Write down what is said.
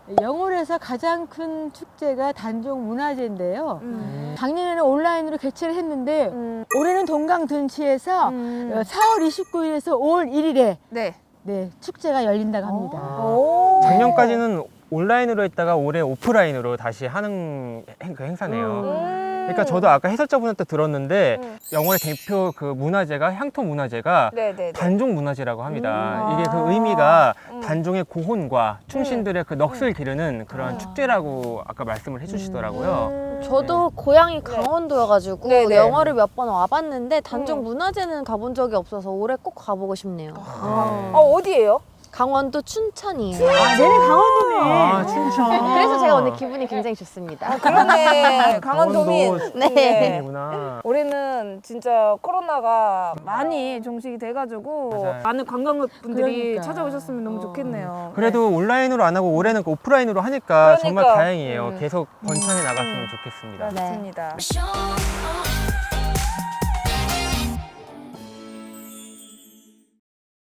영월에서 가장 큰 축제가 단종 문화제인데요. 작년에는 온라인으로 개최를 했는데 올해는 동강둔치에서 4월 29일에서 5월 1일에 네. 네, 축제가 열린다고 합니다. 작년까지는 온라인으로 했다가 올해 오프라인으로 다시 하는 그 행사네요. 그러니까 저도 아까 해설자분한테 들었는데 영월의 대표 그 문화재가 향토 문화재가 네네네. 단종 문화재라고 합니다. 이게 그 의미가 단종의 고혼과 충신들의 그 넋을 기르는 그런 축제라고 아까 말씀을 해주시더라고요. 저도 고향이 강원도여가지고 네네. 영월을 몇 번 와봤는데 단종 문화제는 가본 적이 없어서 올해 꼭 가보고 싶네요. 어디예요? 강원도 춘천이에요. 얘네 강원도네. 아, 춘천. 그래서 제가 오늘 기분이 굉장히 좋습니다. 그러네. 강원도민. 네. 구나. 올해는 진짜 코로나가 많이 종식이 돼가지고 맞아요. 많은 관광객분들이 그러니까. 찾아오셨으면 너무 좋겠네요. 그래도 온라인으로 안 하고 올해는 오프라인으로 하니까 정말 그러니까. 다행이에요. 계속 번창해 나갔으면 좋겠습니다. 맞습니다. show.